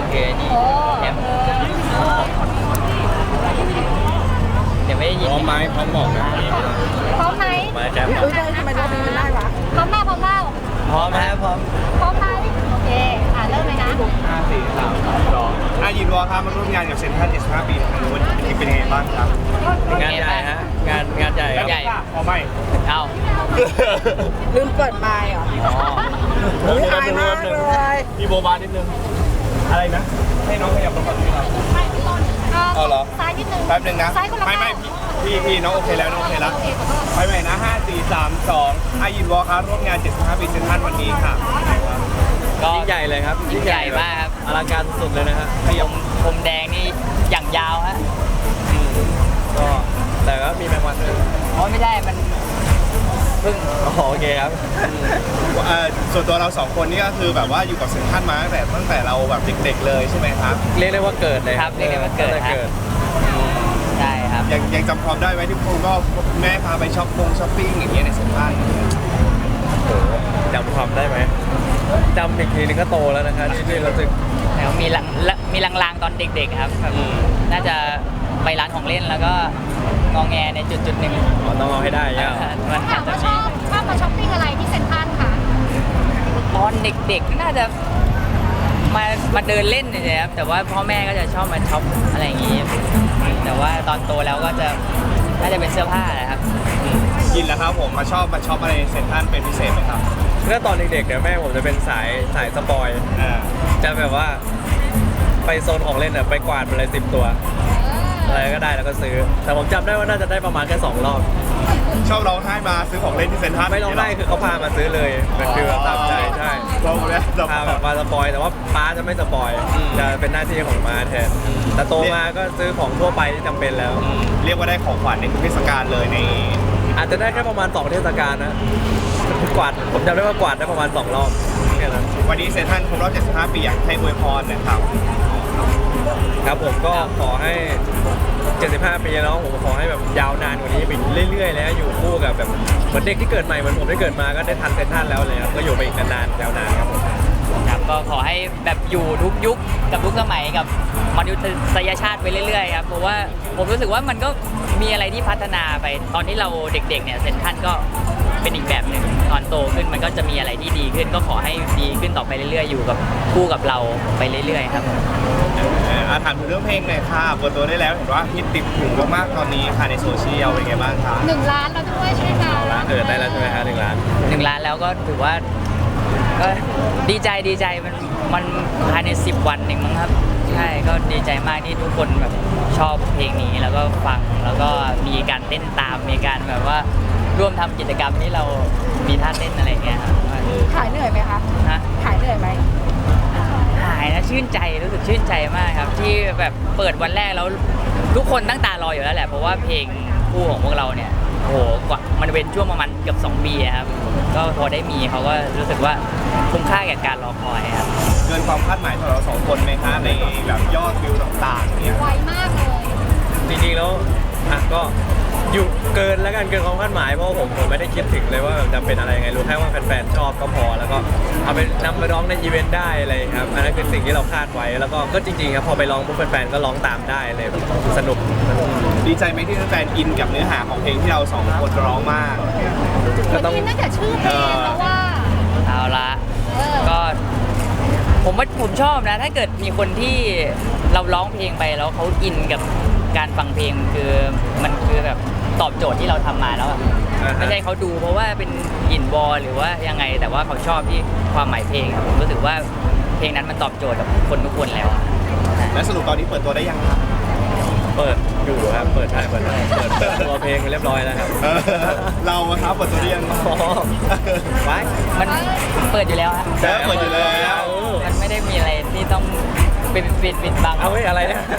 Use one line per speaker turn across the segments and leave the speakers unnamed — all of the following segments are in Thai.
คือนี่แอมเดี๋ยวไม่ได้ยิน
พร้อมไหมพร้อมบอกนะ
พร้อมไหม
มาแจ๊บ
ทำไมรอบนี้มันได้วะ
พร้อมเปล่าพร้อมเปล่า
พร้อมนะพร้อม
พร้อมไหมโอเคเริ่มเลยนะ
5 4 3 2ยินวอครับมาร่วมงานกับเซ็นทรัล75 ปีทางนู้นที่เป็นยังไงบ้างครับ
งานใหญ่ฮะงานใหญ่ครับ
ใหญ่พอไหม
เอ้า
ลืมเปิดไมค์เหรอ
อ๋อ
อุ๊ยอายมากเลย
มีโบบานิดนึงอะไรนะให้น้องขยับลงก่อนดีครับ เอาเหรอ
ซ้ายนิดนึง
แป๊บนึงนะ
ซ้ายคนละ
ไม่
ข้าง
พี่น้องโอเคแล้วน้องโอเคแล้วไปใหม่นะ5 4 3 2ยินวอครับร่วมงาน75 ปีเซ็นทรัลวันนี้ค่ะ
ก็ยิ่งใหญ่เลยครับยิ่งใหญ่มากครับอลังการสุดเลยนะฮะพรมแดงนี่อย่างยาวฮะ
ก็แต่ก็มีแมงวันด้วย
อ๋อไม่ได้มันเพิ่งโอเคครับ
ส่วนตัวเรา2คนนี่ก็คือแบบว่าอยู่กับเซ็นทรัลมาตั้งแต่เราแบบเด็กๆเลยใช่ไหมครับเรียกได้ว่าเกิดเลย
ครับเรียกได้ว่าเกิดครับใช่ครับ
ยังจำความได้ไหมที่คุณก็แม่พาไปช้อปปิ้งอย่างเงี้ยในเซ็นทรัลจำความได้ไหมจำอีกทีนึงก็โตแล้วนะครับที่เราสึก
แล้วมีลางๆตอนเด็กๆครับแบบน่าจะไปร้านของเล่นแล้วก็งองแงในจุดหนึ่ง
ต้องเอาให้ได้เนี่ย
มัน
ถามว่าชอบมาช้อปปิ้งอะไรที่เซ็นทรัลคะ
ตอนเด็กๆน่าจะมาเดินเล่นเลยครับแต่ว่าพ่อแม่ก็จะชอบมาช็อปอะไรอย่างงี้ แต่ว่าตอนโตแล้วก็จะน่าจะเป็นเสื้อผ้าแหละครับ
ยินแล้วครับผมมาชอบอะไรในเซ็นทรัลเป็นพิเศษไหมครับเมื่อตอนเด็กๆเนี่ยแม่ผมจะเป็นสายสปอยจะแบบว่าไปโซนของเล่นไปกวาดมาเลย10 ตัวอะไรก็ได้แล้วก็ซื้อแต่ผมจำได้ว่าน่าจะได้ประมาณแค่2 รอบชอบร้องไห้มาซื้อของเล่นที่เซ็นทรัลไม่ร้องไห้คือเขาพามาซื้อเลยเป็นฟิลตามใจใช่ร้องแล้วพาแบบมาสปอยแต่ว่าป้าจะไม่สปอยจะเป็นหน้าที่ของม้าแทนแต่โตมาก็ซื้อของทั่วไปที่จำเป็นแล้วเรียกว่าได้ของขวัญในทุกเทศกาลเลยในอาจจะได้แค่ประมาณ2 เทศกาลนะกวาดผมจำได้ว่ากวาดได้ประมาณ2 รอบแค่นั้นวันนี้เซ็นทรัลครบรอบ75 ปีอยากให้อวยพรนะครับครับผมก็ขอให้ 75 ปีแล้วผมขอให้แบบยาวนานกว่านี้ไปเรื่อยๆแล้วอยู่คู่กับแบบเหมือนเด็กที่เกิดใหม่เหมือนผมได้เกิดมาก็ได้ทันเซ็นทรัลแล้วเลยครับก็อยู่ไปอีกนานๆยาวนานครับผม
ครับก็ขอให้แบบอยู่ทุกยุคกับทุกสมัยกับมนุษยชาติไปเรื่อยๆครับเพราะว่าผมรู้สึกว่ามันก็มีอะไรที่พัฒนาไปตอนที่เราเด็กๆเนี่ยเซ็นทรัลก็เป็นอีกแบบหนึ่งตอนโตขึ้นมันก็จะมีอะไรที่ดีขึ้นก็ขอให้ดีขึ้นต่อไปเรื่อยๆอยู่กับคู่กับเราไปเรื่อยๆครับ
ถามถึงเรื่องเพลงหน่อยค่ะเปิดตัวได้แล้วเห็นว่าฮิตติดหูมากๆตอนนี้ค่ะในโซเชียลเป็นไงบ้างคะ
1 ล้านแล้วด้วยใช่ไหมคะ
ได้แล้วใช่ไหมคะ1 ล้าน
1 ล้านแล้วก็ถือว่าก็ดีใจมันภายใน10 วันเองมั้งครับใช่ก็ดีใจมากที่ทุกคนแบบชอบเพลงนี้แล้วก็ฟังแล้วก็มีการเต้นตามมีการแบบว่าร่วมทำกิจกรรมที่เรามีท่าเต้นอะไรเงี้ยครับ
ขายเหนื่อยไหมคะ
ฮะ
ขายเหนื่อยไหม
หายนะชื่นใจรู้สึกชื่นใจมากครับที่แบบเปิดวันแรกแล้วทุกคนตั้งตารออยู่แล้วแหละเพราะว่าเพลงคู่ของพวกเราเนี่ยโอ้โหกว่ามันเป็นช่วงประมาณเกือบ2 ปีครับก็พอได้มีเขาก็รู้สึกว่าคุ้มค่าแก่การรอคอยครับ
เกินความคาดหมายของเรา2 คนไหมคะในแบบยอดวิวต่างๆเนี่ย
ไวมากเลย
จริงๆแล้วก็อยู่เกินแล้วกันเกินความคาดหมายเพราะผมไม่ได้คิดถึงเลยว่าจะเป็นอะไรยังไงรู้แค่ว่าแฟนๆชอบก็พอแล้วก็เอาไปนำไปร้องในอีเวนต์ได้อะไรครับอันนั้นคือสิ่งที่เราคาดไว้แล้วก็จริงๆครับพอไปร้องปุ๊บแฟนๆก็ร้องตามได้เลยสนุกดีใจไหมที่แฟนๆอินกับเนื้อหาของเพลงที่เรา2 คนร้องมาก
ก็ต้องอินตั้งแต่ชื่อเพลงแล้วว่า
เอาละก็ผมชอบนะถ้าเกิดมีคนที่เราร้องเพลงไปแล้วเขาอินกับการฟังเพลงมันคือแบบตอบโจทย์ที่เราทำมาแล้วไม่ใช่เขาดูเพราะว่าเป็นอินบอลหรือว่ายังไงแต่ว่าเขาชอบที่ความหมายเพลงผมรู้สึกว่าเพลงนั้นมันตอบโจทย์กับคนทุกคนแล้ว
และสรุปตอนนี้เปิดตัวได้ยังครับเปิดอยู่ครับเปิดตัวเพลงเรียบร้อยแล้วครับเราครับเปิดตัวได้ยังไว้
มันเปิดอยู่แล้วฮะ
เปิดอยู่แล้ว
มันไม่ได้มีอะไรที่ต้องปิดบัง
เอาไว้อะไรเนี่ย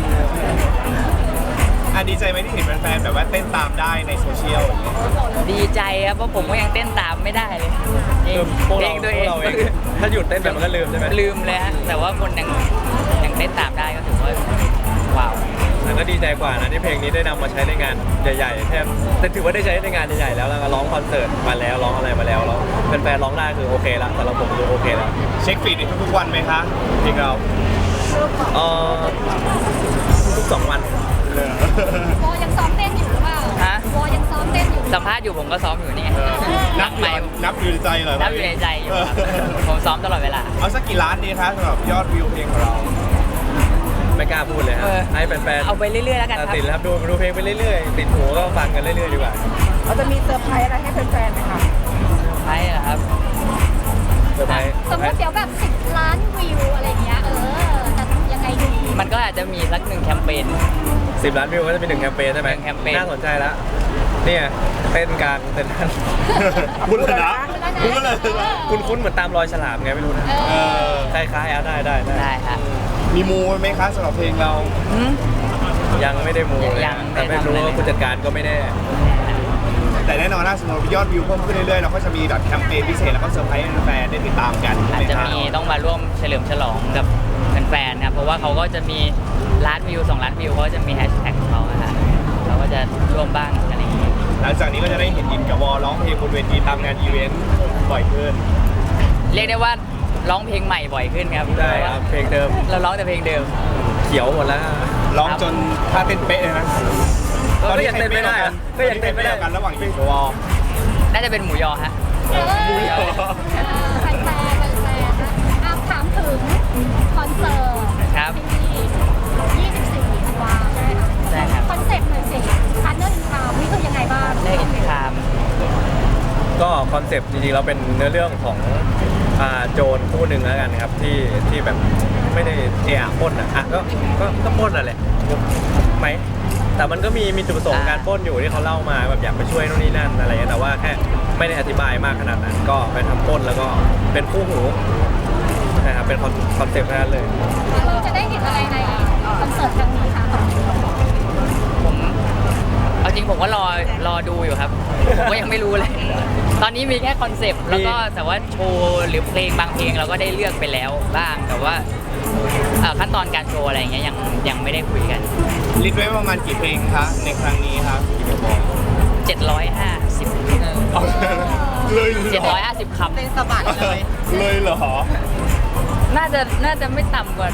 ดีใจไหมที่เห็นแฟนๆแบบว่าเต้นตามได้ในโซเชียล
ดีใจครับเพราะผมก็ยังเต้นตามไม่ได้เลยเพลงตัวเอง
ถ้าหยุดเต้นแบบมันก็ลืมใช่ไหม
ลืมเลยฮะแต่ว่าคนยังเต้นตามได้ก็ถือว่าว้าว
แล้วก็ดีใจกว่านะที่เพลงนี้ได้นำมาใช้ในงานใหญ่ๆแทบแต่ถือว่าได้ใช้ในงานใหญ่ๆแล้วก็ร้องคอนเสิร์ตมาแล้วร้องอะไรมาแล้วแฟนๆร้องได้คือโอเคละแต่เราผมดูโอเคแล้วเช็คฟีดทุกๆวันไหมคะจริงเราเอ่อทุก2 วัน
วอยังซ้อมเต้นอยู่หรือเปล่า
ฮะ
วอยังซ้อมเต้นอยู่
สัมภาษณ์อยู่ผมก็ซ้อมอยู่นี่ไง
นับ
ไป
อยู่ในใจเหรอ
นับอยู่ในใจอยู่ครับผมซ้อมตลอดเวลา
เอาสักกี่ล้านดีคะสำหรับยอดวิวเพลงของเรา
ไม่กล้าพูดเลยฮะ
เออ
ให้แฟนๆ
เอาไปเรื่อยๆแล้วกันค
ตั
รั
ด
บ
สินแล้วครับดูเพลงไปเรื่อยๆติดหูก็ฟังกันเรื่อยๆดีกว่า
เราจะมีเซอร์ไพรส์อะไรให้แฟนๆไหมคะ
ใช่เหรอครับ
เซอร์ไพรส์
สมมติเดี๋ยวแบบ10 ล้านวิวอะไรอย่างเงี้ยจะยังไงดี
มันก็อาจจะมีสัก1แคมเปญ
10 ล้านวิวก็จะเป็น1แคมเปญใช่ไหม
หนึ่งแคมเปญ
น่าสนใจแล้วเนี่ยเต้นกลางเต้นท่าน
พูดเลยนะพูดเลย
คุ้นๆเหมือนตามรอยฉลามไงไม่รู้นะ
เออ
คล้ายๆอ่ะได้
ได้ฮะ
มีมูไหมคะสำหรับเพลงเรา
อืม
ยังไม่ได้มูเลย
ยัง
แต่ไม่รู้
ไม่ทำอะไร
ว่าผู้จัดการก็ไม่แน่
แต่แน่นอนถ้าสมมติยอดวิวเพิ่มขึ้นเรื่อยๆเราก็จะมีแบบแคมเปญพิเศษแล้วก็เซอร์ไพรส์ให้แฟนๆได้ติดตามกัน
อาจจะมี
ใช่ไหค
ต้องมาร่วมเฉลิมฉลองกับแฟนๆครับเพราะว่าเขาก็จะมีล้านวิว2 ล้านวิวเขาก็จะมีแฮชแท็กของเขาอะฮะเราก็จะร่วมบ้างอะไรอย่างเงี้ย
หลังจากนี้ก็จะได้เห็นอินกับวอร้องเพลงบนเวทีตามงานอีเวนต์บ่อยขึ้น
เรียกได้ว่าร้องเพลงใหม่บ่อยขึ้นครับ
ได้ครับเพลงเดิม
เราร้องแต่เพลงเดิม
เขียวหมดแล้ว
ร้องจนท่าเต้นเป๊ะเลยนะ
ก็ยังเต้นไม่ได้อะก็ยังเต้นไม่ได้
กันระหว่างอินกับวอ
น่าจะเป็นหมูยอฮะ
แฟนๆถามถึงคอนเสิร์ต
ครับ
ที่24 ธันวาใช่ไหมคะ
ใช่ครับ
คอนเซ็ปต์หน่อยสิพาร์ทเนอร์อินคามนี่คือยังไงบ้าง
เลิกอินคาม
ก็คอนเซปต์จริงๆแล้วเป็นเนื้อเรื่องของโจรคู่หนึ่งแล้วกันครับที่แบบไม่ได้เอะปล้นอ่ะก็ปล้นอ่ะแหละไหมแต่มันก็มีจุดประสงค์การปล้นอยู่ที่เขาเล่ามาแบบอยากไปช่วยนู่นนี่นั่นอะไรเงี้ยแต่ว่าแค่ไม่ได้อธิบายมากขนาดนั้นก็ไปทำปล้นแล้วก็เป็นคู่หูนะครับเป็นคอนเซปต์นั้นเลย
เราจะได้เห็นอะไรในคอนเสิร์ตครั้งนี้คะ
ผมเอาจริงผมก็รอดูอยู่ครับผมก็ยังไม่รู้เลย ตอนนี้มีแค่คอนเซปต์แล้วก็แต่ว่าโชว์หรือเพลงบางเพลงเราก็ได้เลือกไปแล้วบ้าง แต่ว่าขั้นตอนการโชว์อะไรอย่างเงี้ยยังไม่ได้คุยกัน
ลิสต์ไว้ประมาณกี่เพลงคะในครั้งนี้ครับกี่เพลงบอก
750
เอาเลยเหรอ
750คำ
เป็นสะบัดเลย
เลยเหรอ
น่าจะไม่ต่ำกว่า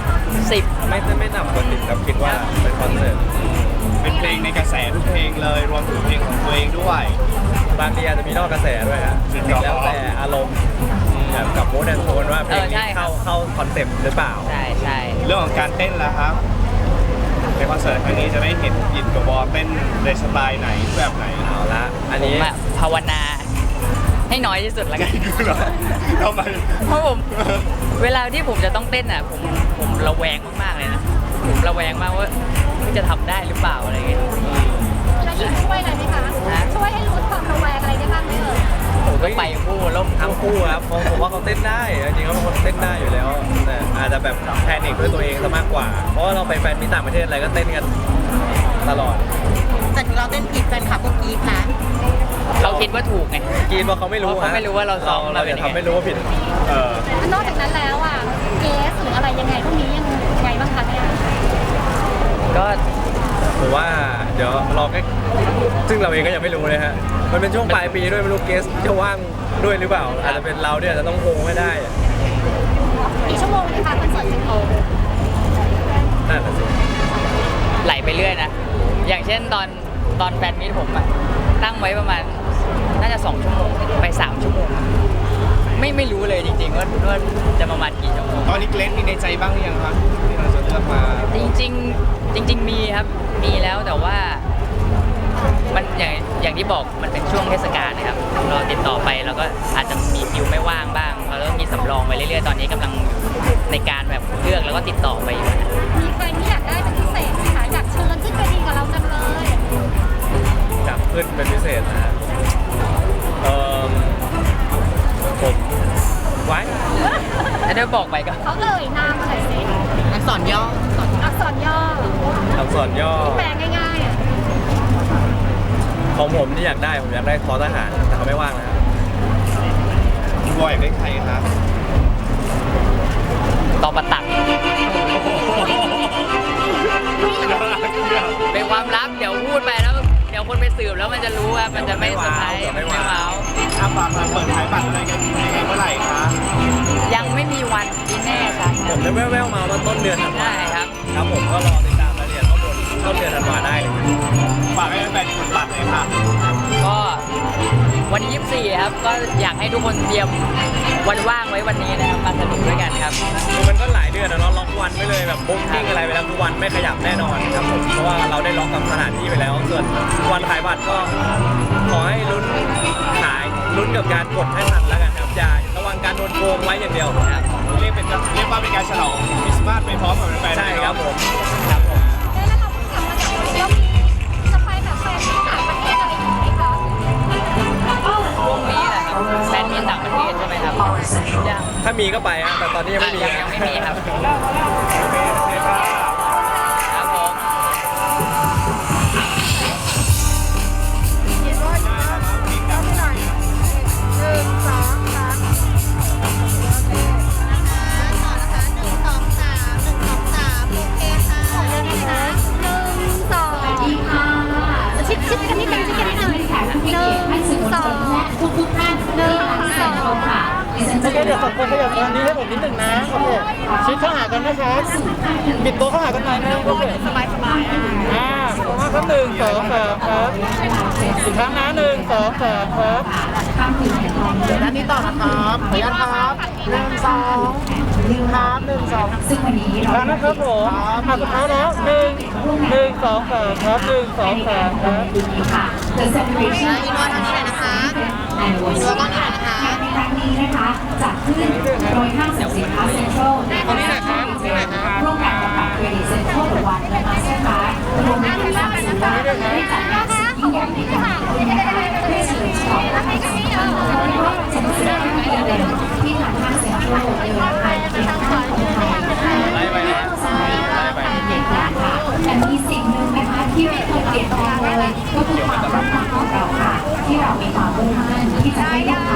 10
ไม่ต่ำกว่า10ครับคิดว่าเป็นคอนเสิร์ต
เป็นเพลงในกระแสทุกเพลงเลยรวมถึงเพลงของตัวเองด้วย
บางทีอาจจะมีนอกกระแสด้วยฮะ
จริงเหรอ
แล้วแต่อารมณ์แบบกับมูดแอนโทนว่าเพลง
ใช่
นี้
ครับ
เข้าคอนเซปต์หรือเปล่า
ใช่ใช่
เรื่องของการเต้นแล้วครับในคอนเสิร์ตครั้งนี้จะได้เห็นอินกับวอเต้นในสไตล์ไหนแบบไหน
เอาละอัน
ผม
นี้
อะภาวนาให้น้อยที่สุดแล้วกัน
ทำไม
เพราะผมเวลาที่ผมจะต้องเต้นอ่ะผมระแวงมากๆเลยนะผมระแวงมากว่าจะทำได้หรือเปล่าอะไรเงี้ย
แล้วอินช่วยอะไรไหมคะ
ฮะ
ช่วยให้ลดความระแวงอะไรได้บ้างไหมเอ่ย
ผมก็ไปคู่ล่ม
ทั้งคู่ครับผมว่าเขาเต้นได้จริงๆเขาเป็นคนเต้นได้อยู่แล้วแต่อาจจะแบบแพนิคด้วยตัวเองซะมากกว่า เพราะว่าเราไปแฟนมีต่างประเทศอะไรก็เต้นกันตลอด
แต่ถึงเราเต้นผิดแฟนคลับก็กรี๊ดนะ
เขาคิดว่าถูกไง
กินว่าเขาไม่รู้
เพราะเขาไม่รู้ว่าเราซ้อม
เรา
มาเป็
จะ
นยังไง
ทำไม่รู้ว่าผิด
เออ
นอกจากนั้นแล้วอ่ะเกสหรืออะไรยังไงพวกนี้ยังไงบ้างคะเนี่ย
ก็
ผมว่าเดี๋ยวรอแค่ซึ่งเราเองก็ยังไม่รู้เลยฮะมันเป็นช่วงปลายปีด้วยไม่รู้เกสจะว่างด้วยหรือเปล่าอาจจะเป็นเราเนี่ยจะต้องโฮไม่ได้
กี่ชั่วโมงเลยคะคอนเสิร์ตสิงโต
นั่นน่ะสิ
ไหลไปเรื่อยนะ อย่างเช่นตอนแฟนมีตผมอะตั้งไว้ประมาณน่าจะ2 ชั่วโมงไป3 ชั่วโมงไม่รู้เลยจริงๆว่าจะประมาณกี่ชั่วโมง
ตอนนี้เกรซมีในใจบ้างหรือยังครับที่เราจะเลือกมา
จริงมีครับมีแล้วแต่ว่ามันอย่างที่บอกมันเป็นช่วงเทศกาลนะครับเราติดต่อไปเราก็อาจจะมีคิวไม่ว่างบ้างเราก็มีสำรองไว้เรื่อยๆตอนนี้กำลังในการแบบเลือกแล้วก็ติดต่อไปอยู่นะ
มีใครที่อยากได้เป็นพิเศษไหมคะอยากเชิญขึ้นไปดีกับเราจังเลย
จับขึ้นเป็นพิเศษนะฮะผมไว้
แล้วได้บอกไปก็
เขาเอ่ยนามอะไรสิ
อักษรย่อ
อักษรย่อ
อักษรย่อ
แปลง่ายๆอ่ะ
ของผมที่อยากได้ผมอยากได้ทอทหารแต่เขาไม่ว่างนะครับ
คุณบอยอยากได้ใครครับ
ตอประตักเป็นความลับเดี๋ยวพูดไปแล้วเดี๋ยวคนไปสืบแล้วมันจะรู้ว่ามันจะไม่เซอร์ไพรส์ไม่ว้าว
ถ้าฝากมาเปิดขายบัตรอะไรกันยังไงเมื่อไหร่คะ
ยังไม่มีวันที่แน่ชัดนะ
ผมได้แว่วๆมาว่าต้นเดือนธันวา
ได้ครับ
ครับผมก็รอติดตามรายละเอียดข้อมูลต้นเดือนธันวาได้เลย
ฝากให้แฟนๆกดบัตรเลยค่ะ
ก็วันที่24ครับก็อยากให้ทุกคนเตรียมวันว่างไว้วันนี้นะครับมาสนุกด้วยกันครับ
คือมันก็หลายเดือนนะเราล็อกวันไว้เลยแบบบุ๊กกิ้งอะไรไปแล้วทุกวันไม่ขยับแน่นอนครับผมเพราะว่าเราได้ล็อกกับสถานที่ไปแล้วส่วนวันขายบัตรก็ขอให้ลุ้นกับการกดให้ทันแล้วกันครับอย่าระวังการโดนโกงไว้อย่างเดียวครับ
เรียกว่าเป็นการฉลองคริสต์มาสไปพร้อมกับแฟนๆ
ใช่
เลย
ครั
เนาะ
บผมครับผม
แล้วเราเพิ่งกลับมาจากเที่ยวมีจะไปแบบแฟนที่ต่างประเทศอะไรอย่างนี้ไหมคะ
พรุ่งนี้แหละครับแฟนมีต่างประเทศใช่ไหมครับยัง
ถ้ามีก็ไปฮะแต่ตอนนี้ยังไม่มี
ยังไม่มีครับครับผม
ชิดกันนิดนึงชิดกันนิดนึงทุกท่านที่ทางสองค่ะ
โอเคเดี๋ยวสองคนขยับทางนี้ให้ผมนิดหนึ่งนะโอเคชิดเข้าหากันนะครับบิดตัวเข้าหากันหน่อยนึงโอเคสบายครับ1 2 3ครับอีกครั้งนะ1 2 3ครับเดี๋ยวด้านนี้ต่อนะครับขออนุญาตครับ1 2ครับ1 2
ซึ่งวันนี้
อีก
เรา
ครั้งนะครับผมมาสุดท้ายแล้ว1 2 3ครับ1 2 3ครับ
ค่ะ The Celebration
อีกนวดทางนี้หน่อยนะคะ
Anniversary
อีกนวดก้อนนี้หน่อยนะคะ
ในครั้งนี้นะคะจัดขึ้นโดยห้างสรรพสินค้าเซ็นทรัลร่วมกันกับบัตรเครดิตเซ็นทรัลวันและมาสเตอร์การ์ดรวมถึงทางศูนย์การได้จัดงานสุดยิ่งใหญ่ในการเพื่อเฉลิมฉลองและให้กับผู้คนที่ร่วมสนุกสนานกันเลยที่ทางห้างเซ็นทรัลเดินทางเป็นทางของไทยนะคะ
ไล่ไปนะไล่ไป
เปลี่ยนแปลงค่ะแต่มีสิ่งหนึ่งนะคะที่ไม่เคยเปลี่ยนแปลงเลยก็คือความมุ่งมั่นของเราค่ะ ที่เรามีความมุ่งมั่นที่จะให้ลูก